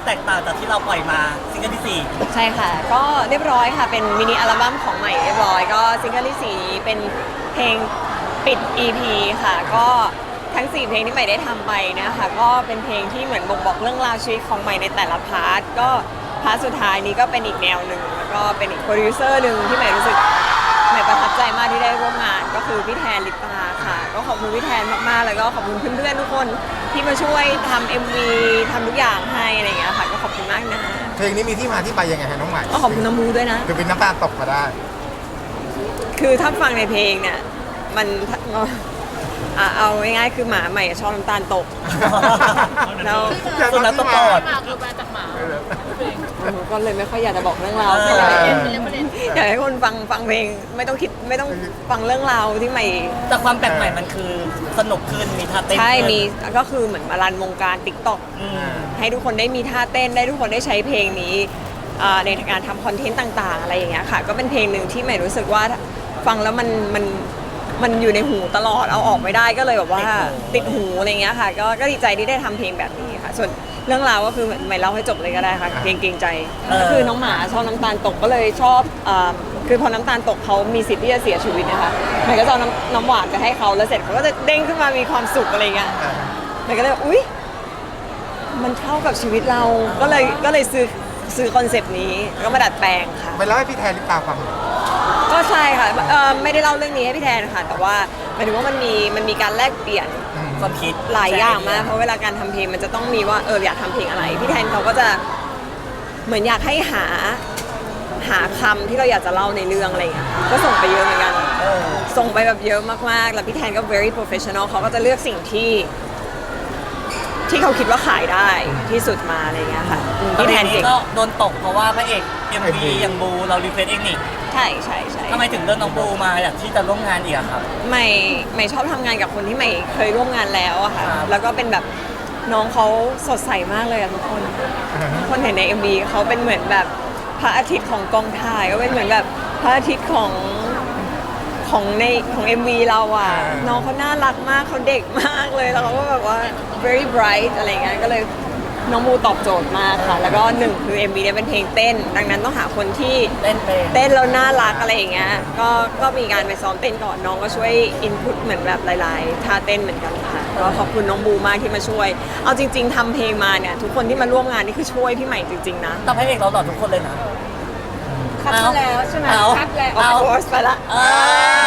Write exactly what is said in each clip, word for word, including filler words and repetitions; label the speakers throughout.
Speaker 1: แตกต่างจากที่เราปล่อยมาซิงเกิลที่สี่
Speaker 2: ใช่ค่ะก็เรียบร้อยค่ะเป็นมินิอัลบั้มของใหม่เรียบร้อยก็ซิงเกิลที่สี่เป็นเพลงปิด อี พี ค่ะก็ทั้งสี่เพลงที่ใหม่ได้ทำไปนะคะก็เป็นเพลงที่เหมือนบ่งบอกเรื่องราวชีวิตของใหม่ในแต่ละพาร์ทก็พาร์ทสุดท้ายนี้ก็เป็นอีกแนวหนึ่งแล้วก็เป็นอีกโปรดิวเซอร์หนึ่งที่ใหม่รู้สึกใหม่ประทับใจมากที่ได้ร่วมงานก็คือพี่แทนลิปตาค่ะก็ขอบคุณพี่แทนมากๆแล้วก็ขอบคุณเพื่อนๆทุกคนที่มาช่วยทำ เอ็ม วี ทำทุกอย่างให้อะไรอย่างเงี้ยค่ะก็ขอบคุณมากนะ
Speaker 3: เพลงนี้มีที่มาที่ไปยังไงฮะน้องใหม่
Speaker 2: ก็ขอบคุณน้ำมูด้วยนะ
Speaker 3: คือเป็นน้ำตาลตกมาได้
Speaker 2: คือถ้าฟังในเพลงเนี่ยมันอ่ะเอาง่ายๆคือหมาใหม่ชอบน้ำตาลตกแล้ว
Speaker 1: ส่วนนักตะกอด
Speaker 4: หมาคือมาจากหมา
Speaker 2: หนูก็เลยไม่ค่อยอยากจะบอกเรื่องราว
Speaker 1: เออ
Speaker 2: เท่าไหร่
Speaker 4: เป็นเรื่องประเด็น
Speaker 2: อยากให้คนฟังฟังเพลงไม่ต้องคิดไม่ต้องฟังเรื่องราวที่ใหม่
Speaker 1: แต่ความแปลกใหม่มันคือสนุกขึ้นมีท่าเต้น
Speaker 2: ใช่
Speaker 1: ขึ้น
Speaker 2: มีก็คือเหมือนมารันวงการติ๊กต็อก
Speaker 1: อืม
Speaker 2: ให้ทุกคนได้มีท่าเต้นได้ทุกคนได้ใช้เพลงนี้อ่าในการทำคอนเทนต์ต่างๆอะไรอย่างเงี้ยค่ะก็เป็นเพลงหนึ่งที่ใหม่รู้สึกว่าฟังแล้วมันมันมันอยู่ในหูตลอดเอาออกไม่ได้ก็เลยแบบว่าติดหูอะไรเงี้ยค่ะก็ก็ดีใจที่ได้ทำเพลงแบบนี้ค่ะส่วนเรื่องราวก็คือใหม่เล่าให้จบเลยก็ได้ค่ะเกรงเกรงใจก็คือน้องหมาชอบน้ำตาลตกก็เลยชอบอ่าคือพอน้ำตาลตกเขามีสิทธิ์ที่จะเสียชีวิตนะคะใหม่ก็จะเอาน้ำน้ำหวานไปให้เขาแล้วเสร็จเขาก็จะเด้งขึ้นมามีความสุขอะไรเงี้ยใหม่ก็เลยอุ๊ยมันเข้ากับชีวิตเราก็เลยก็เลยซื้อซื้อคอนเซปต์นี้ก็มาดัดแปลงค่ะ
Speaker 3: ไปเล่าให้พี่แทนลิปตาฟัง
Speaker 2: ก็ใช่ค่ะเอ่อไม่ได้เล่าเรื่องนี้ให้พี่แทนค่ะแต่ว่าหมายถึงว่ามันมีมันมีการแลกเปลี่ยน
Speaker 1: ความคิด
Speaker 2: หลายอย่างมากเพราะเวลาการทำเพลงมันจะต้องมีว่าเอออยากทำเพลงอะไรพี่แทนเขาก็จะเหมือนอยากให้หาหาคำที่เราอยากจะเล่าในเรื่องอะไรอย่างเงี้ยก็ส่งไปเยอะเหมือนกัน
Speaker 1: เออ
Speaker 2: ส่งไปแบบเยอะมากๆแล้วพี่แทนก็ very professional เขาก็จะเลือกสิ่งที่ที่เขาคิดว่าขายได้ที่สุดมาอะไรอย่างเงี้ยค่ะอืม
Speaker 1: ตอน
Speaker 2: พี่แทน
Speaker 1: นี้
Speaker 2: เก่ง
Speaker 1: ก็โดนตกเพราะว่าพระเอก เอ็ม วี อย่างบูเรารีเควสเองนี่
Speaker 2: ใช่ใช่ใช่
Speaker 1: ทำไมถึงเลือกน้องบูมาอยากที่จะร่วมงานอีกอะครับ
Speaker 2: ใหม่ใหม่ชอบทำงานกับคนที่ใหม่เคยร่วมงานแล้วอะค่ะ
Speaker 1: ครับ
Speaker 2: แล้วก็เป็นแบบน้องเขาสดใสมากเลยอะทุกคนทุกคนเห็นใน เอ็ม วี เขาเป็นเหมือนแบบพระอาทิตย์ของกองถ่ายก็เป็นเหมือนแบบพระอาทิตย์ของของในของ เอ็ม วี เราอะน้องเขาน่ารักมากเขาเด็กมากเลยแล้วเขาก็แบบว่า very bright อะไรเงี้ยก็เลยน้องบูตอบโจทย์มากค่ะ แล้วก็หนึ่งคือ เอ็ม วี เนี่ยเป็นเพลงเต้น ดังนั้นต้องหาคนที่
Speaker 1: เต้นเป็น
Speaker 2: เต้นแล้วน่ารักอะไรอย่างเงี้ย ก็ ก็มีการไปซ้อมเต้นก่อน น้องก็ช่วยอินพุตเหมือนแบบหลายๆท่าเต้นเหมือนกันค่ะ ก็ขอบคุณน้องบูมากที่มาช่วย เอาจริง ๆทำเพลงมาเนี่ยทุกคนที่มาร่วมงานนี่คือช่วยพี่ใหม่จริงๆนะ
Speaker 1: แต่พระเอกเราหล่อทุกคนเลยนะ
Speaker 4: คัดมาแล้วใช่ไหม
Speaker 1: เอา
Speaker 4: คัดแล้ว
Speaker 2: of course ไปละ
Speaker 1: อ่า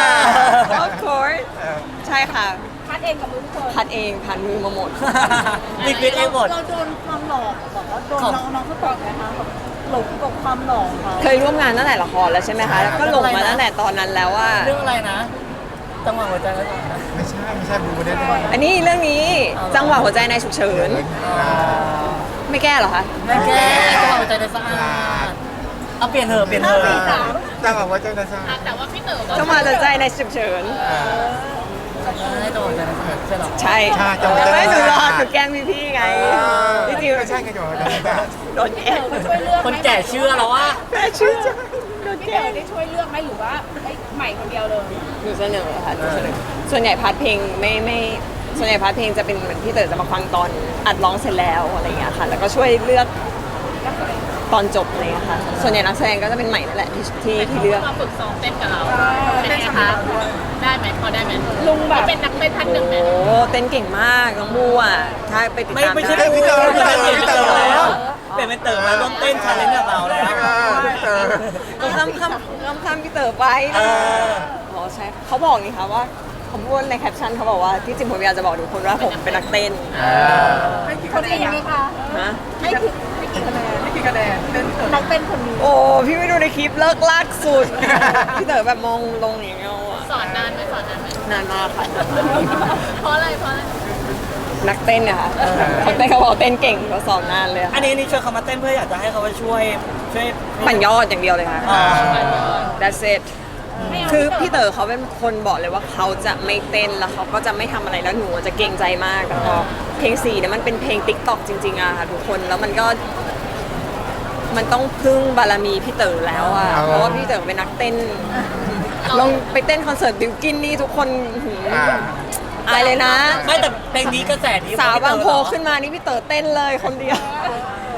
Speaker 2: of course ใช่ค่ะ
Speaker 4: คัดเองกับมือทุกคน
Speaker 2: พัดเองผ่านมือมาหมด
Speaker 1: รีเควสเองหมด
Speaker 4: เราโดนความหลอกแบบว่าโดน
Speaker 1: ครับ
Speaker 4: น้องน้องเขาบอกไหมคะแบบหลงกับความหลอกเขา
Speaker 2: เคยร่วมงานตั้งแต่ละครแล้วใช่ไหมคะ แล้วก็หลงมาตั้งแต่ตอนนั้นแล้วว่า
Speaker 1: เรื่องอะไรนะจังหวะหัวใจแล้วก่อนนะ
Speaker 3: ไม่ใช่ไม่ใช่บูไม่ได้ด้วย
Speaker 2: อันนี้เรื่องนี้
Speaker 1: เอาเหรอ
Speaker 2: จังหวะหัวใจในฉุกเฉิน ไม่แก้เหรอคะ
Speaker 1: แม่แก้จังหวะหัวใจในสะอาดเอาเปลี่ยนเถอะเปลี่ยนเถอะ
Speaker 4: สี่สาม
Speaker 3: จังหวะว่าเจ้าหน้าที่
Speaker 4: แต่ว่าพี่เต๋อก็
Speaker 2: จังหวะหัวใจในฉุกเฉิน
Speaker 1: ให้จังหวะหัวใจในสะอาดใช่หรอ
Speaker 2: ใช่
Speaker 3: ใช่จังหวะ
Speaker 2: ไม่หนูรอ
Speaker 3: ใจ
Speaker 2: หนูแกล้งพี่พี่ๆไงพี่จิว
Speaker 3: ไม่ใช่ไงจังหวะเจ้าหน้าที่
Speaker 2: โดนแกล้ง
Speaker 4: เขาช่วยเลือกไหม
Speaker 1: คนแก่เชื่อแล้วว่า
Speaker 2: แม่ชื่อจังโดน
Speaker 4: พี่
Speaker 2: แก
Speaker 4: เต๋
Speaker 2: ล้
Speaker 4: อง ได้ช่วยเลือกไหมหรือว่าไอ้ใหม่คนเดียวเลย
Speaker 2: หนูเสนอค่ะหนูเสนอส่วนใหญ่พาร์ทเพลงไม่ไม่ส่วนใหญ่พาร์ทเพลงจะเป็นเหมือนพี่เต๋อจะมาฟังตอนอัดร้องเสร็จแล้วอะไรอย่างเงี้ยค่ะ แล้วก็ช่วยเลือกตอนจบอะไรอย่างเงี้ยค่ะ ส่วนใหญ่นักแสดงก็จะเป็นใหม่นั่นแหละที่ที่ที่เลือก
Speaker 4: มาฝึกซ้อมเต้นกับเราเป็นไงคะได้ไหมพอได้ไหมลุงแบบเป็นนักเต้นท่านหนึ่งไหม
Speaker 2: โอ้เต้นเก่งมาก้องบัวถ้าไปติด
Speaker 1: ไม่
Speaker 2: ตาม
Speaker 1: ไม่ใช่
Speaker 2: ได้
Speaker 1: พี่เต๋อพี่เต๋อพี่เต๋อแล้วเปลี่ยนเป็นเต๋อมาร่วมเต้นชาเลนจ์กับเราแล้ว
Speaker 3: เออ
Speaker 2: ก็คำคำคำคำพี่เต๋อไป
Speaker 1: เอ
Speaker 2: นะ
Speaker 1: อ
Speaker 2: อ๋อใช่เขาบอกนี่ค่ะว่าเขาพูดในแคปชั่นเขาบอกว่าที่จริงผมอยากจะบอกทุกคนว่าผมเป็นนักเต้น
Speaker 4: ให้กี่คะแนนไหมคะ
Speaker 2: นะ
Speaker 4: ให้กี่ให้กี่คะแนนให้กี่คะแนนเต้นนักเต้นคนนี้
Speaker 2: โอ้พี่ไม่ดูในคลิปเลิกลากสุด พี่เต๋อแบบมองลงอย่างเงี้ยอะ
Speaker 4: สอนนานไหมสอนนานไหม
Speaker 2: นานมากค่ะ
Speaker 4: เพราะอะไรเพราะอะไร
Speaker 2: นักเต้นเนี่ยค่ะเขาเต้นเขาบอกเต้นเก่งเขาสอนนานเลยค่ะ
Speaker 1: อันนี้นี่ชวนเขามาเต้นเพื่ออยากจะให้เขาไปช่วยช่วย
Speaker 2: ปั่นยอดอย่างเดียวเลยค่ะ
Speaker 1: อ๋อ
Speaker 2: that's it คือพี่เต๋อเขาเป็นคนบอกเลยว่าเขาจะไม่เต้นแล้วเขาก็จะไม่ทำอะไรแล้วหนูจะเกรงใจมากแต่พอเพลงสี่เนี่ยมันเป็นเพลงติ๊กต็อกจริงๆอะค่ะทุกคนแล้วมันก็ มันต้องพึ่งบารมีพี่เต๋อแล้วอะเพราะว่าพี่เต๋อเป็นนักเต้น ลองไปเต้นคอนเสิร์ตบิวกินนี่ทุกคนหืมอายเลยนะ
Speaker 1: ไม่แต่เพลงนี้กระแสดี
Speaker 2: สาวบางโพขึ้นมานี่พี่เต๋อเต้นเลยคนเดียว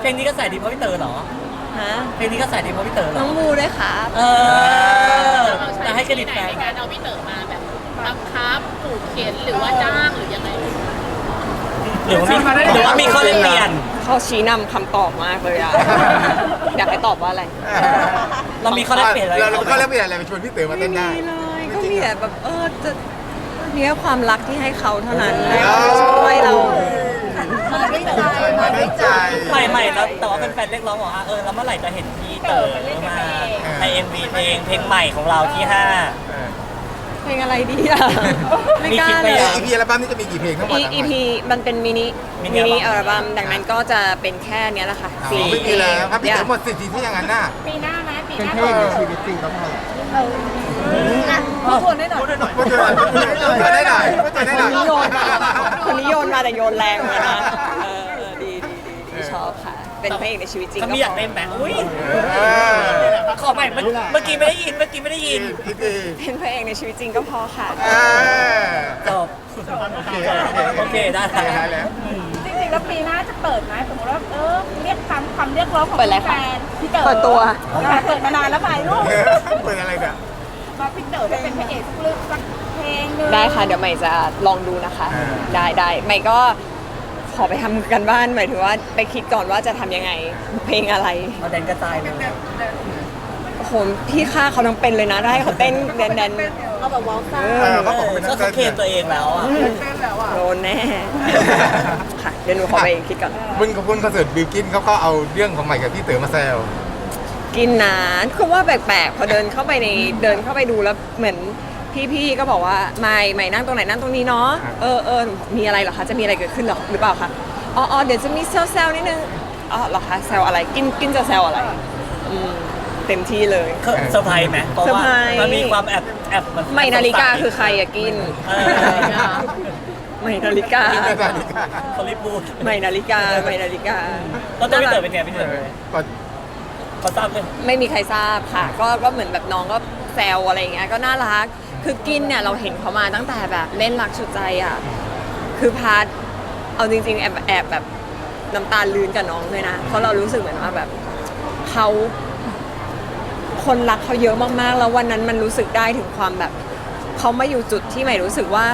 Speaker 1: เพลงนี้ก็ใส่ดีเพราะพี่เต๋อเหรอ
Speaker 2: ฮะ
Speaker 1: เพลงนี้ก็ใส่ดีเพราะพี่เต๋อเหร
Speaker 2: น้
Speaker 1: อ
Speaker 2: องบูด้วยครับ
Speaker 1: เออ
Speaker 4: เราใช้
Speaker 1: จะให้เครดิต
Speaker 4: ไหน
Speaker 1: แฟน
Speaker 4: ในการเอาพี่เต๋อมาแบบบังคับผูกเขียนหรือว่าจ้างหรือยังไง
Speaker 1: หรือว่ามีหรือว่ามีข้อแลกเปลี่ยน
Speaker 2: เขาชี้นำคำตอบมากเลยอะ อยากให้ตอบว่าอะไร
Speaker 1: เรามีข้อแลกเปลี่ยนอะไร
Speaker 3: เราเราก็เล่นเปลี่ยนอะไรไปชวนพี่เต๋อมาเต้นได้
Speaker 2: ไม่มีเลยก็มีแต่แบบเออจะมีแค่ความรักที่ให้เขาเท่านั้น
Speaker 3: เออ
Speaker 2: ช่วยเรา
Speaker 3: มาได้ใจ
Speaker 1: ใหม่ใหม่แล้วแต่ว่าเป็นแฟนๆเรียกร้องบอกว่าเออแล้วเมื่อไหร่จะเห็นพี่เต๋อมาใน เอ็ม วี เพลงเพลงใหม่ของเราที่ห้า
Speaker 2: เพลงอะไรดีอะไม่กล้า
Speaker 1: มีคิด
Speaker 2: เล
Speaker 1: ไป
Speaker 2: ย
Speaker 1: ยัง
Speaker 3: อีพีอัลบั้มนี้จะมีกี่เพลงทั้งหมด
Speaker 2: อี อีพีมันเป็นมินิ
Speaker 1: มิ
Speaker 2: มิ
Speaker 1: นิ
Speaker 2: นิ
Speaker 1: อั
Speaker 2: อั
Speaker 1: ล
Speaker 2: ล
Speaker 1: บั้
Speaker 2: บั้
Speaker 1: ม
Speaker 2: มดังนั้นก็จะเป็นแค่เนี้ยแหละค่ะ
Speaker 3: สี่ไม่มีแล้วครับพี่เต๋อหมดสิทธิ์ที่อย่างนั้นน่ะ
Speaker 4: ปีหน้าไหมปี
Speaker 3: เป็น
Speaker 4: หน้า
Speaker 3: เพลงในชีวิตจริงก็พอ
Speaker 4: พูดชวนได้หน่อย
Speaker 3: พูดได้หน่อยพูดได้หน่อยพูดได้หน่อย
Speaker 2: คนนี้โยนคนนี้โยนมาแต่โยนแรงเลยนะเออเออดีดีดีดีชอบค่ะ เป็นพระเอกในชีวิตจริง
Speaker 1: เขา
Speaker 2: ก็
Speaker 1: มี
Speaker 2: พ
Speaker 1: อยาก
Speaker 2: อ
Speaker 1: เล่นแบบอุ้ย
Speaker 3: เออ
Speaker 1: ขอใหม่เมื่อเมื่อกี้ไม่ได้ยินเมื่อกี้ไม่ได้ยิน
Speaker 3: อีกที
Speaker 2: เป็นพระเอกในชีวิตจริงก็พอค่ะ
Speaker 3: เออ
Speaker 1: จบ
Speaker 3: โอเค
Speaker 1: โอเคได้
Speaker 3: ได้แล้ว
Speaker 4: จริงๆแล้วปีหน้าจะเปิดไหมสมมติว่าเออเรียกคำคำเรียกร้องของ
Speaker 2: เปิดอะไรคะ
Speaker 4: แฟนพี่เต๋อ
Speaker 2: เปิดตัว
Speaker 4: เปิดมานานแล้วไปลูก
Speaker 3: เปิดอะไรเนี่ย
Speaker 4: มาพี่เต๋อได้เป็นพระเอกสักเรื่องสักเพลงหนึง
Speaker 2: ได้ค่ะเดี๋ยวใหม่จะลองดูนะคะ
Speaker 3: อ่า
Speaker 2: ได้ได้ใหม่ก็ขอไปทำกันบ้านหมายถึงว่าไปคิดก่อนว่าจะทำยังไง เพลงอะไร
Speaker 1: เอาแดนกระจายเลย
Speaker 2: โอ้โหพี่ฆ่าเขาทั้งเป็นเลยนะได้เขาเต้นแดนแดน
Speaker 4: เอาแบบวอลซ่า
Speaker 2: เอ
Speaker 3: เอ
Speaker 2: อ
Speaker 3: อเขาบอกเป็นนั
Speaker 1: ก็
Speaker 3: ก
Speaker 1: เขาเคล
Speaker 3: เต้
Speaker 1: ม
Speaker 3: น
Speaker 1: ตัวเองแล้วอ่ะ
Speaker 2: โดนแน่ ค่ะเดี๋ยวหนูขอไปคิดก่อน
Speaker 3: บุญกับคุณคอนเสิร์ตบิวกินเขาก็เอาเรื่องของใหม่กับพี่เต๋อมาแซว
Speaker 2: กินนานคือว่าแปลกๆพอเดินเข้าไปในเดินเข้าไปดูแล้วเหมือนพี่ๆก็บอกว่าไม่ไม่นั่งตรงไหนนั่งตรงนี้เนาะเออเออมีอะไรเหรอคะจะมีอะไรเกิดขึ้นหรอหรือเปล่าคะอ๋ออ๋อเดี๋ยวจะมีเซลเซลนิดนึงอ๋อเหรอคะเซลอะไรกินกินจะเซลอะไรอืมเต็มที่เลย
Speaker 1: เซอร์ไพรส์ไหมเพราะ
Speaker 2: เซอร์
Speaker 1: ว่า
Speaker 2: ไพรส์
Speaker 1: มันมีความแอบแอบน
Speaker 2: ไม่นาฬิกาคือใครอะกิน
Speaker 1: เออ
Speaker 2: ไม่นาฬิกา
Speaker 3: กินได้ดีค่ะ
Speaker 1: เขารีบพูด
Speaker 2: ไม่นาฬิกาไม่นาฬิกา
Speaker 1: แล้วตัวพี่เต๋อเป็นไงพี่เต๋อ
Speaker 3: ก็
Speaker 1: เขาทราบเลย
Speaker 2: ไม่มีใครทราบค่ะ ก็ก็เหมือนแบบน้องก็แซวอะไรอย่างเงี้ยก็น่ารัก คือกินเนี่ยเราเห็นเขามาตั้งแต่แบบเล่นรักชุดใจอ่ะคือพาร์ทเอาจริงๆแอบแอบแบบน้ำตาลืนกับน้องเลยนะเพราะเรารู้สึกเหมือนว่าแบบเขาคนรักเขาเยอะมากๆ แล้ววันนั้นมันรู้สึกได้ถึงความแบบเขามาอยู่จุดที่ใหม่รู้สึกว่า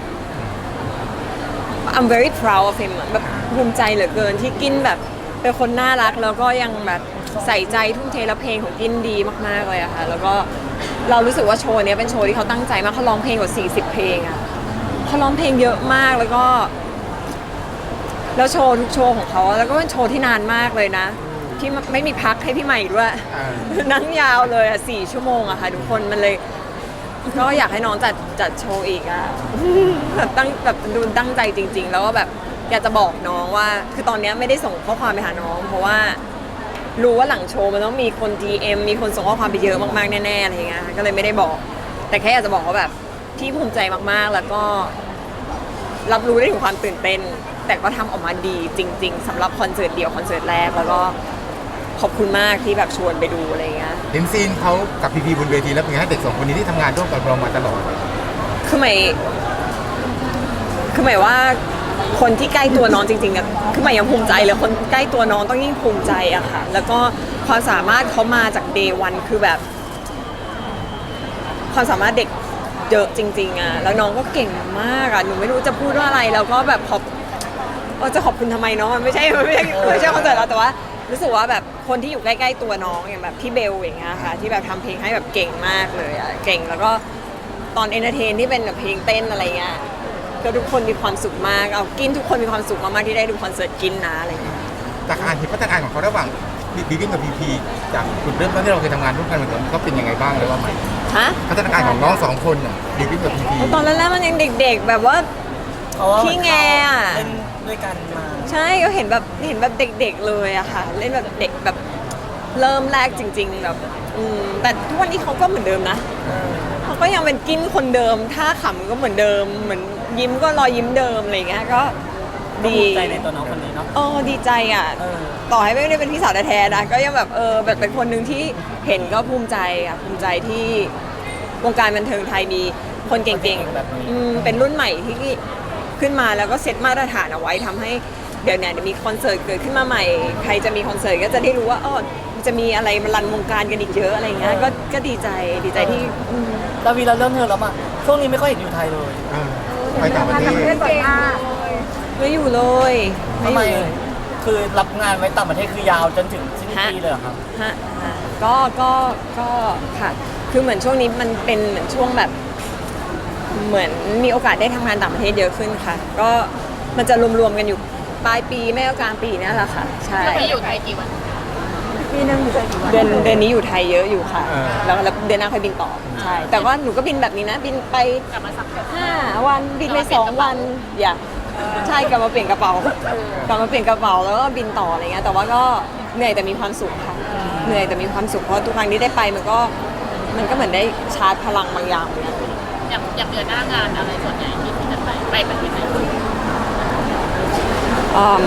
Speaker 2: I'm very proud of him อะแบบภูมิใจเหลือเกินที่กินแบบเป็นคนน่ารักแล้วก็ยังแบบใส่ใจทุ่มเทและเพลงของกินดีมากๆเลยอะค่ะแล้วก็เรารู้สึกว่าโชว์เนี้ยเป็นโชว์ที่เขาตั้งใจมากเขาร้องเพลงกว่าสี่สิบเพลงอะเขาร้องเพลงเยอะมากแล้วก็ แล้วโชว์ทุกโชว์ของเขาอะแล้วก็เป็นโชว์ที่นานมากเลยนะที่ไม่มีพักให้พี่ใหม่ด้วย
Speaker 3: อ่า
Speaker 2: นั่งยาวเลยอะสี่ชั่วโมงอะค่ะทุกคนมันเลยก็อยากให้น้องจัดจัดโชว์อีกอะ แบบตั้งแบบดูตั้งใจจริง ๆ แล้วก็แบบอยากจะบอกน้องว่า คือตอนเนี้ยไม่ได้ส่งข้อความไปหาน้อง เพราะว่ารู้ว่าหลังโชว์มันต้องมีคน ดี เอ็ม มีคนส่งข้อความไปเยอะมากๆแน่ๆอะไรอย่างเงี้ยก็เลยไม่ได้บอก แต่แค่อยากจะบอกว่าแบบที่ภูมิใจมากๆแล้วก็ รับรู้ได้ถึงความตื่นเต้น แต่ก็ทำออกมาดีจริง ๆสำหรับคอนเสิร์ตเดียวคอนเสิร์ตแรกแล้วก็ขอบคุณมากที่แบบชวนไปดูอะไรอย่างเงี้ย
Speaker 3: เห็นซีนเขากับพีพีบนเวทีแล้วเป็นไงให้เด็กสองคนนี้ที่ทำงานร่วมกับเรามาตลอด
Speaker 2: คือหมายคือหมายว่าคนที่ใกล้ตัวน้องจริงๆอะคือหมายยังภูมิใจเลยคนใกล้ตัวน้องต้องยิ่งภูมิใจอะค่ะ แล้วก็ความสามารถเขามาจากเดย์วันคือแบบ ความสามารถเด็กเยอะจริงๆอะแล้วน้องก็เก่งมากอะหนูไม่รู้จะพูดว่าอะไรแล้วก็แบบขอบเออจะขอบคุณทำไมเนาะมันไม่ใช่มันไม่ใช่ไม่ใช่คอนเสิร์ตเราแต่ว่ารู้สึกว่าแบบคนที่อยู่ใกล้ๆตัวน้องอย่างแบบพี่เบลอย่างเงี้ยค่ะที่แบบทำเพลงให้แบบเก่งมากเลยอะเก่งแล้วก็ตอนเอนเตอร์เทนที่เป็นแบบเพลงเต้นอะไรเงี้ยก็ทุกคนมีความสุขมากเอากินทุกคนมีความสุขมากๆที่ได้ดูคอนเสิร์ตกินนะอะไรเงี้ย
Speaker 3: จากการเห็นพัฒนาการของเขาระหว่างบิวกิ้นกับพีพีจากจุดเริ่มต้นที่เราเคยทำงานร่วมกันเหมือนกันเขาเป็นยังไงบ้างเลยว่าไหม
Speaker 2: ฮะ
Speaker 3: พัฒนาการของน้องสองคนน่ะบิวกิ้นกับพีพี
Speaker 2: ตอนแรกๆมันยังเด็กๆ แบบว่า
Speaker 1: เพราะว่า
Speaker 2: ขี้แงอะ
Speaker 1: เล่นด้วยกันมา
Speaker 2: ใช่ก็เห็นแบบเห็นแบบเด็กๆเลยอะค่ะ เล่นแบบเด็กแบบเริ่มแรกจริง ๆ แบบอืมแต่ทุกวันนี้เขาก็เหมือนเดิมนะเขาก็ยังเป็นกินคนเดิมท่าขำก็เหมือนเดิม เหมือนยิ้มก็รอยยิ้มเดิมอะไรเงี้ยก็
Speaker 1: ก็
Speaker 2: ดี
Speaker 1: ภูมิใจในตัวน้องคนนี้เนาะ
Speaker 2: เออดีใจอ่ะ
Speaker 1: เออ
Speaker 2: ต่อให้ไม่ได้เป็นพี่สาวแท้ๆนะก็ยังแบบเออแบบเป็นคนหนึ่งที่เห็นก็ภูมิใจอ่ะภูมิใจที่วงการบันเทิงไทยมีคนเก่งๆ
Speaker 1: แบบนี้
Speaker 2: อืมเป็นรุ่นใหม่ที่ขึ้นมาแล้วก็เซตมาตรฐานเอาไว้ทำให้เดี๋ยวเนี่ยเดี๋ยวมีคอนเสิร์ตเกิดขึ้นมาใหม่ใครจะมีคอนเสิร์ตก็จะได้รู้ว่าอ๋อจะมีอะไรมารันวงการกันอีกเยอะอะไรเงี้ยก็ก็ดีใจดีใจที่อืม
Speaker 5: ดาวีเราเริ่มเธอแล้วมาช่วงนี้ไม่ค่อยเห็นอยู่ไทยเลย
Speaker 3: อ่าไปต่างประเทศ
Speaker 2: ไม่อยู่เลยไม่
Speaker 5: ทำ
Speaker 2: อ
Speaker 5: ไม
Speaker 2: ยู่เลย
Speaker 5: คือรับงานไว้ต่างประเทศคือยาวจนถึงสิ้น
Speaker 2: ฮะ
Speaker 5: ปีเลยเหรอครับ
Speaker 2: ฮะฮะก็ก็ก็ค่ะคือเหมือนช่วงนี้มันเป็นเหมือนช่วงแบบเหมือนมีโอกาสได้ทำงานต่างประเทศเยอะขึ้นค่ะ ก็มันจะรวมๆกันอยู่ปลายปีไม่ก็กลางปีเนี่ยแหละค่ะใช่
Speaker 4: เราไปอยู่ไทยกี่วัน
Speaker 2: ปีนึงเดือนเดือนนี้อยู่ไทยเยอะอยู่ค่ะ
Speaker 3: อ่า
Speaker 2: แล้วแล้วเดือนหน้าค่อยบินต่อใช่แต่ว่าหนูก็บินแบบนี้นะ บินไป
Speaker 4: กลับมาสักพัก
Speaker 2: ห้าวันบินไปสองวันอย่าใช่กลับมาเปลี่ยนกระเป๋ากลับมาเปลี่ยนกระเป๋าแล้วก็บินต่ออะไรเงี้ยแต่ว่าก็เหนื่อยแต่มีความสุขค่ะเหนื่อยแต่มีความสุขเพราะทุกครั้งที่ได้ไปมันก็มันก็เหมือนได้ชาร์จพลังบางอย่างเหมือนกัน
Speaker 4: อย่างอย่างเดือนหน้างานอะไรส่วนใหญ่ที่ที่จะไปไปประเทศไหน
Speaker 2: อืม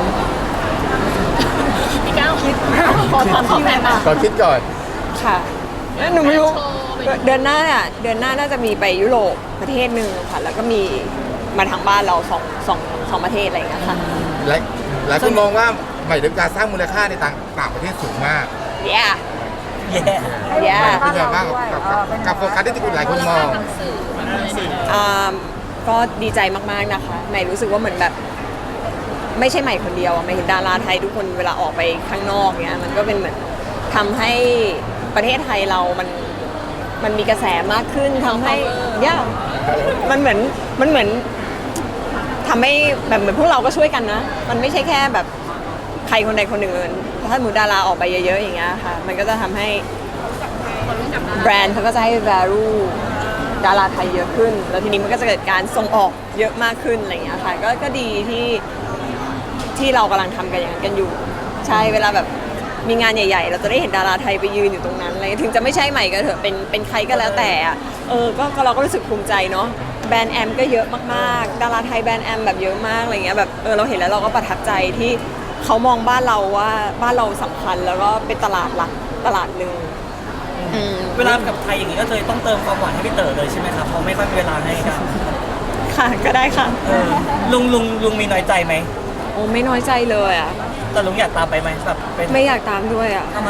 Speaker 4: พี่ก้าว
Speaker 2: ขอถามพี่แม่ค่ะ
Speaker 3: ขอคิดก่อน
Speaker 2: ค่ะหนูไม่รู้
Speaker 4: โชว์ไป
Speaker 2: เดือนหน้าเนี่ยเดือนหน้าน่าจะมีไปยุโรปประเทศหนึ่งค่ะ แล้วก็มีมาทางบ้านเราสองสองสองประเทศอะไรอย่างเงี้ยค่ะ
Speaker 3: หลายหลายคนมองว่าใหม่ดาวิกาสร้างมูลค่าในต่างต่างประเทศสูงมาก
Speaker 2: yeah
Speaker 5: แย่
Speaker 2: yeah
Speaker 3: เป็นไงบ้างกับกับกับโฟกัสที่คุณหลายคนมอง
Speaker 4: ทางสื่อแบบอะไรเนี่ย
Speaker 2: อ่าก็ดีใจมากๆนะคะใหม่รู้สึกว่าเหมือนแบบ ไม่ใช่ใหม่คนเดียวอะใหม่เห็นดาราไทยทุกคนเวลาออกไปข้างนอกเนี้ยมันก็เป็นเหมือนทำให้ประเทศไทยเรามันมันมีกระแสมากขึ้นทำให้ย่ามันเหมือนมันเหมือนทำให้แบบเหมือนพวกเราก็ช่วยกันนะ มันไม่ใช่แค่แบบใครคนใดคนหนึ่งเลยถ้าหมูดาราออกไปเยอะๆอย่างเงี้ยค่ะมันก็จะทำให้
Speaker 4: คนรู้จักดารา
Speaker 2: แบรนด์เขาก็จะให้ value ดาราไทยเยอะขึ้น แล้วทีนี้มันก็จะเกิดการส่งออกเยอะมากขึ้นอะไรอย่างเงี้ยค่ะก็ก็ดีที่ที่เรากำลังทำกันอย่างนั้นกันอยู่ ใช่เวลาแบบมีงานใหญ่ ๆ เราจะได้เห็นดาราไทยไปยืนอยู่ตรงนั้นอะไรถึงจะไม่ใช่ใหม่ก็เถอะเป็นเป็นใครก็แล้วแต่อะเออก็ก็เราก็รู้สึกภูมิใจเนาะแบรนด์แอมก็เยอะมากๆ ดาราไทยแบรนด์แอมแบบเยอะมากอะไรเงี้ยแบบเออเราเห็นแล้วเราก็ประทับใจที่เขามองบ้านเราว่าบ้านเราสำคัญแล้วก็เป็นตลาดหลักตลาดหนึ่งอืม
Speaker 1: เวลากับไทยอย่างนี้ก็เลยต้องเติมความหวานให้พี่เต๋อเลยใช่ไหมครับเพราะไม่ค่อยมีเวลาให้กัน
Speaker 2: ค่ะก็ได้ค่ะ
Speaker 1: เออลุงลุงลุงมีน้อยใจไหม
Speaker 2: โอ้ไม่น้อยใจเลยอ่ะ
Speaker 1: แต่ลุงอยากตามไปไหมแบบเป็น
Speaker 2: ไม่อยากตามด้วยอ่ะ
Speaker 1: ทำไม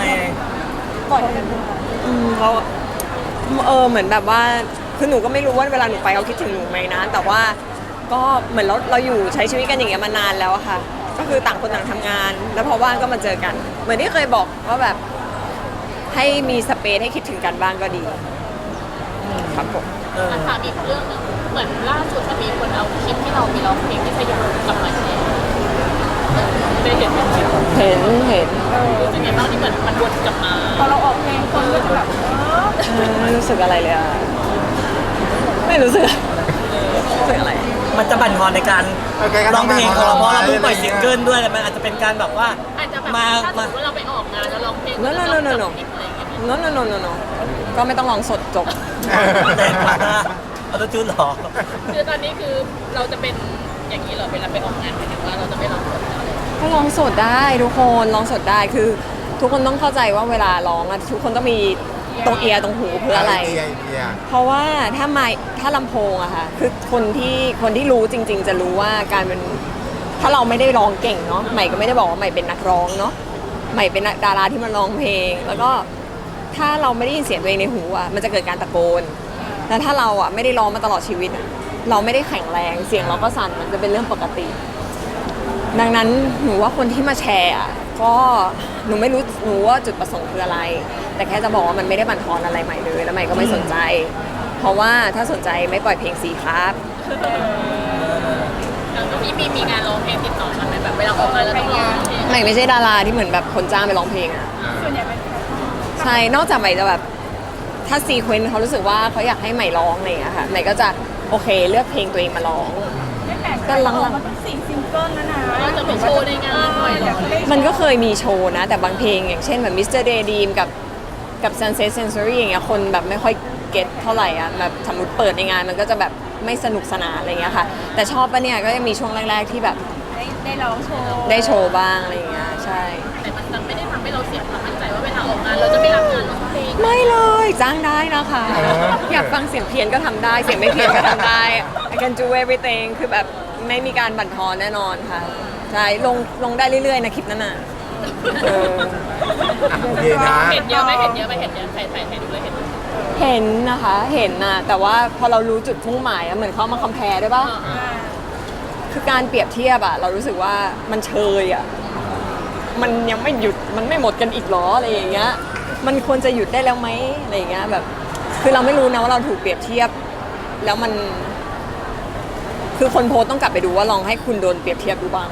Speaker 2: อืมเขาเออเหมือนแบบว่าคือหนูก็ไม่รู้ว่าเวลาหนูไปเขาคิดถึงหนูไหมนะ แต่ว่าก็เหมือนเราเราอยู่ใช้ชีวิตกันอย่างเงี้ยมานานแล้วอะค่ะ ก็คือต่างคนต่างทำงาน แล้วพอว่างก็มาเจอกัน เหมือนที่เคยบอกว่าแบบให้มีสเปซให้คิดถึงกันบ้างก็ดีครับผม
Speaker 1: เออ
Speaker 4: ถามอีกเรื่องหนึงเหมือนล่าสุดมันมีคนเอาคลิปที่เรามีร้องเพลงที่สยามกลับมาแชร์ได้เห็นไหม
Speaker 2: เห็นเห็น
Speaker 4: รู้สึกไงบ้างที่เหมือนมันวนกลับมา
Speaker 6: พอเราออกเพลงคนก็จะแบบเออ
Speaker 2: เออไม่รู้สึกอะไรเลยอะไม่รู้สึกรู้สึกอะไร
Speaker 1: มันจะบั่นทอนในการ
Speaker 3: โอเคครับ
Speaker 1: ร้องเพลงของเราเพราะเราเพิ่งปล่อย
Speaker 3: อะไร
Speaker 1: ซิ
Speaker 3: เงี้
Speaker 1: ง
Speaker 3: ย
Speaker 1: เกิลด้วยแต่มันอาจจะเป็นการแบบว่า
Speaker 4: อาจจะแบบ
Speaker 1: มา
Speaker 4: ถ้าสม
Speaker 1: มา
Speaker 4: มติว่าเราไปออกงานแล้วร้องเพลง
Speaker 2: No, no, no, no, no.
Speaker 4: คลิปอะไรอย่างเงี้ย
Speaker 2: โนโนโนโนโนก็ไม่ต้องลองสดจบ
Speaker 1: แรงมากเอาตัวจูนหรอ
Speaker 4: คือตอนนี้คือเราจะเป็นอย่างนี้เหรอเวลาไปออกงานหมายถึงว่าเราจะไม่ร้องสดแล้ว
Speaker 2: ก็ร้องสดได้ทุกคนร้องสดได้คือ ทุกคนต้องเข้าใจว่าเวลาร้องอะทุกคนต้องมีตรงเอียร์ตรงหูเพื่ออะไร
Speaker 3: ไอเดียไอเดีย
Speaker 2: เพราะว่าถ้าไมค์ถ้าลำโพงอะค่ะคือคนที่คนที่รู้จริง ๆ จะรู้ว่าการเป็นถ้าเราไม่ได้ร้องเก่งเนาะใหม่ก็ไม่ได้บอกว่าใหม่เป็นนักร้องเนาะใหม่เป็นดาราที่มาร้องเพลง แล้วก็ถ้าเราไม่ได้ยินเสียงตัวเองในหูอะมันจะเกิดการตะโกนแล้วถ้าเราอะไม่ได้ร้องมาตลอดชีวิตอะเราไม่ได้แข็งแรงเสียงเราก็สั่นมันจะเป็นเรื่องปกติ ดังนั้นหนูว่าคนที่มาแชร์อะก็หนูไม่รู้หนูว่าจุดประสงค์คืออะไร แต่แค่จะบอกว่ามันไม่ได้บั่นทอนอะไรใหม่เลยแล้วใหม่ก็ไม่สนใจ เพราะว่าถ้าสนใจไม่ปล่อยเพลงสีครับ
Speaker 4: แล้วก็มีมีมีงานร้องเพลงติดต่อมาไหมแบบเวลาออกงานแล้วต้องร้องเพลง
Speaker 2: ใหม่ไม่ใช่ดาราที่เหมือนแบบคนจ้างไปร้องเพลงอะ
Speaker 6: ส่วนใหญ่เป็น
Speaker 2: ใช่นอกจากใหม่จะแบบถ้าซีเควนต์เขารู้สึกว่าเขาอยากให้ใหม่ร้องอะไรอย่างเงี้ยค่ะใหม่ก็จะโอเคเลือกเพลงตัวเองมาร้อง
Speaker 6: ไม่แปลกใจ
Speaker 2: ก็หลังๆ
Speaker 6: ออกมาตั้งสี่ซิงเกิลแล้วนะ
Speaker 4: ก็จะไปโชว์ในงานหน่อยเหรอ
Speaker 2: มันก็เคยมีโชว์นะ แต่บางเพลงอย่างเช่นแบบ มิสเตอร์ Daydream กับกับ Sunset Sensory อย่างเงี้ยคนแบบไม่ค่อยเก็ตเท่าไหร่อ่ะแบบสมมติเปิดในงานมันก็จะแบบไม่สนุกสนานอะไรเงี้ยค่ะ แต่ชอบปะเนี่ยก็ยังมีช่วงแรก ๆ ที่แบบ
Speaker 6: ได้ได้ร้องโชว์
Speaker 2: ได้โชว์บ้างอะไรเงี้ยใช่
Speaker 4: แต่มันจะไม่ได้ทำให้เราเสียความมั่นใจว่าเวลาออกงานเราจะไม่รับงานร้องเพลง
Speaker 2: ไม่เลยจ้างได้นะคะ
Speaker 3: อ๋อ
Speaker 2: อยากฟังเสียงเพี้ยนก็ทำได้ เสียงไม่เพี้ยนก็ทำได้ I can do everything คือแบบไม่มีการบั่นทอนแน่นอนค่ะ ใใช่ลงลงได้เรื่อยๆนะคลิปนั้นน่ะเออ
Speaker 3: อ่ะโอเคนะ
Speaker 4: เห็นเยอะไหมเห็นเยอะไหมเห็นเยอะใครใครใครดูเลยเห็นไหม
Speaker 2: เห็นนะคะเห็นนะแต่ว่าพอเรารู้จุดมุ่งหมายอะเหมือนเขามาคอมเพลด้วยปะคือการเปรียบเทียบอะเรารู้สึกว่ามันเชยอะมันยังไม่หยุดมันไม่หมดกันอีกหรออะไรอย่างเงี้ยมันควรจะหยุดได้แล้วไหมอะไรอย่างเงี้ยแบบคือเราไม่รู้นะว่าเราถูกเปรียบเทียบแล้วมัน คือคนโพสต์ต้องกลับไปดูว่าลองให้คุณโดนเปรียบเทียบดูบ้าง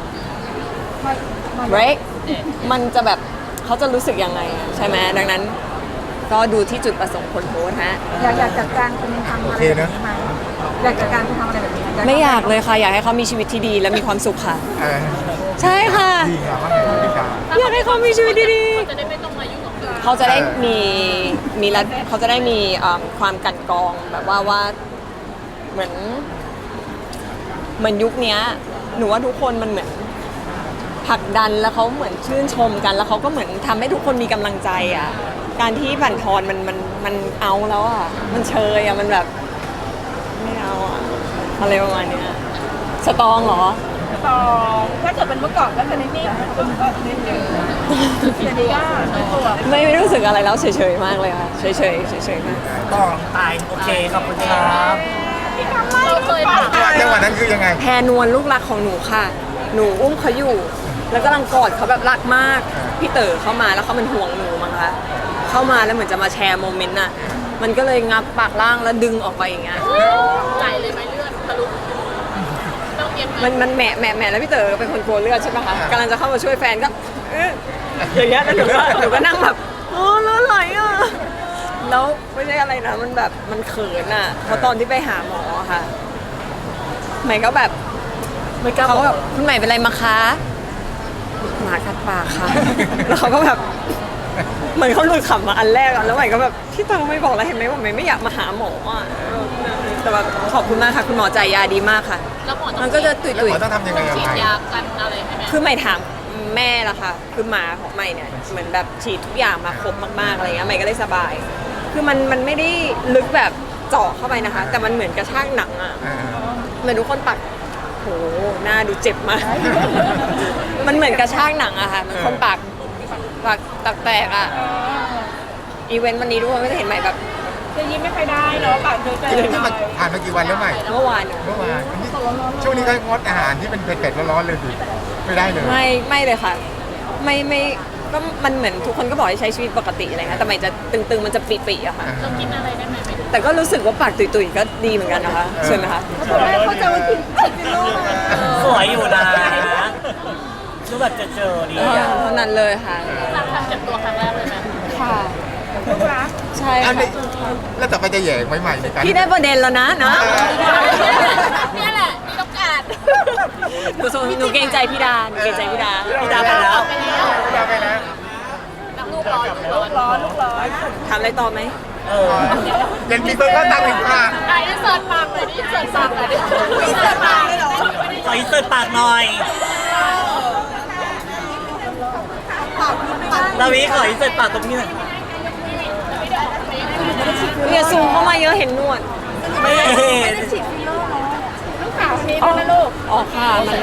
Speaker 2: right มันจะแบบเขาจะรู้สึกยังไงอะใช่ไหมดังนั้น ก็ดูที่จุดประสงค์คนโพสต์ฮะ
Speaker 6: อยากอยากจัดการคุณทำอะไรแบบนี้ไหมอยากจัดการคุณทำอะไรแบบนี้ห
Speaker 2: ไม่อยากเลยค่ะอยากให้เขามีชีวิตที่ดีและมีความสุขค่ะ
Speaker 3: เออ
Speaker 2: ใช่ค่ะ
Speaker 3: ดีงามมากเลยพี่การ
Speaker 2: อยากให้เขามีชีวิตดี
Speaker 4: เขาจะได้ไม่ต้องมายุ่งกับเรา
Speaker 2: ๆเขาจะได้มีมีระเขาจะได้มีเอิ่มความกลันกรองแบบว่าว่าเหมือน เหมือนยุคเนี้ยหนูว่าทุกคนมันเหมือนผลักดันแล้วเขาเหมือนชื่นชมกัน แล้วเขาก็เหมือนทำให้ทุกคนมีกำลังใจอ่ะการที่บั่นทอนมันมันมันเอาแล้วอ่ะมันเชยอ่ะมันแบบไม่เอาอ่ะอะไรประมาณเนี้ยสตรองเหรอ
Speaker 6: ต่อถ้าเกิดเป็นเมื่อก่อนก็จะนิ่งๆคุณก็นิ่งๆเดี๋ยวนี้ก็ตัว
Speaker 2: ไม่ไม่รู้สึกอะไรแล้วเฉยๆมากเลยค่ะเฉยๆเฉยๆมาก
Speaker 1: ต่อตายโอเคขอบคุณครับ
Speaker 4: เราเคยถาม
Speaker 3: จังหวะนั้นคือยังไง
Speaker 2: แพรนวลลูกรักของหนูค่ะ หนูอุ้มเขาอยู่ แล้วกำลังกอดเขาแบบรักมาก พี่เต๋อเข้ามาแล้วเขาเป็นห่วงหนูมั้งคะ เข้ามาแล้วเหมือนจะมาแชร์โมเมนต์น่ะ มันก็เลยงับปากล่างแล้วดึงออกไปอย่างเงี้ย
Speaker 4: ไหลเลยไหมเลือดทะลุต้องเย็บไหม
Speaker 2: มันมันแหมะแหมะแหมะแล้วพี่เต๋อเป็นคนกลัวเลือดใช่ไหมคะกำลังจะเข้ามาช่วยแฟนก็เอ๊ะอย่างเงี้ยแล้วหนูก็หนูก็นั่งแบบโอ้เลือดไหลอ่ะ แล้วไม่ใช่อะไรนะ มันแบบมันเขินอ่ะเพราะตอนที่ไปหาหมออะค่ะใหม่ก็แบบ
Speaker 5: ไม่กล้า
Speaker 2: เขา
Speaker 5: บอ
Speaker 2: ก็
Speaker 5: ก
Speaker 2: แบบคุณใหม่เป็นไรมาคะหมากัดปากค่ะ แล้วเขาก็แบบเหมือนเขาหลุดขำมาอันแรกอะแล้วใหม่ก็แบบพี่ตังไม่บอกแล้วเห็นไหมว่าใหม่ไม่อยากมาหาหมออะแต่แบบขอบคุณมากค่ะคุณหมอจ่ายยาดีมากค่ะ
Speaker 4: แล้วหมอต้
Speaker 2: มั
Speaker 4: อน ง
Speaker 2: ก็จะตุย
Speaker 3: แล้ว
Speaker 2: ตุย
Speaker 3: หมอต้องทำยังไงกับ
Speaker 4: ฉีด
Speaker 3: ใคร
Speaker 4: ยากันอะไรให้ไหม
Speaker 2: คือใหม่ถามแม่ละค่ะ คือหมาของใหม่เนี่ยเหมือนแบบฉีดทุกอย่างมาครบมากๆอะไรเงี้ยใหม่ก็เลยสบาย คือมันมันไม่ได้ลึกแบบเจาะเข้าไปนะคะ แต่มันเหมือนกระชากหนังอะ
Speaker 3: อ่า
Speaker 2: เหมือนทุกคนปักโหหน้าดูเจ็บมาก มันเหมือนกระชากหนังอะค่ะ มันคนปากปากตักแตกอะอีเวนต์วันนี้ทุกคนก็จะเห็นใหม่แบบ
Speaker 6: จะยิ้มไม่ค่อยได้เนาะปากเจอใจ
Speaker 3: ที่นี่มันผ่านมากี่วันแล้วใหม่
Speaker 2: เมื่อวาน
Speaker 3: เมื่อวานนี่ช่วงนี้ก็งดอาหารที่เป็นเผ็ดๆร้อนๆเลยสิไม่ได้เลย
Speaker 2: ไม่ไม่เลยค่ะ ไม่ไม่ก็มันเหมือนทุกคนก็บอกให้ใช้ชีวิตปกติอะไรเงี้ยแต่ใหม่จะตึงๆมันจะปีๆอะค่ะ
Speaker 4: เรากินอะไรได้ไหมไม่รู้
Speaker 2: แต่ก็รู้สึกว่าปากตุยๆก็ดีเหมือนกันนะคะใช่ไหมคะ
Speaker 6: เขาบอกว่าเขาจะมากินฉีดฟิลเลอร์มา
Speaker 1: สวยอยู่นะดูแบบเจอๆดี
Speaker 2: เออ
Speaker 1: อะ
Speaker 2: เท่านั้นเลยค่ะ
Speaker 4: รักการเจ็บตัวครั้งแรกเลยไหม
Speaker 2: ค่ะ
Speaker 6: ลูกรัก
Speaker 2: ใช่
Speaker 3: อันนี้
Speaker 2: ค่ะ
Speaker 3: แล้วต่อไปจะแหย่งใหม่ๆในการ
Speaker 2: พี่ได้ประเด็นแล้วนะนะ
Speaker 4: เนี่ยแหละนี่ต้องการ
Speaker 2: หนูสงหนูเกรงใจพี่ดาหนูเกรงใจพี่ดา
Speaker 1: พี่ดาไปแล้ว
Speaker 4: ไปแล้ว
Speaker 3: ไปแล้ว
Speaker 4: นักลูกร้อนลูกร้อน
Speaker 6: ร้อนลูกร้อน
Speaker 2: ถามอะไรต่อไหม
Speaker 1: เออ
Speaker 3: ยังมีเพิ่มก็ตั้งอีกค่ะ
Speaker 4: ไหนอินเสิร์ตปากเลยดิอินเสิร์ตปากเลยดิอินเสิร์ตปากเลยเหรอ
Speaker 1: ขออินเสิร์ตปากหน่อยดาวิขออินเสิร์ตปากตรงนี้หน่อย
Speaker 2: อย่าซูมเข้ามาเยอะเห็นหนวด
Speaker 1: ไม่เห็น
Speaker 6: ฉีดฟิลเลอร์เนาะลูกสาวคนนี้ด้วยนะลูก
Speaker 2: อ๋อค่ะมัน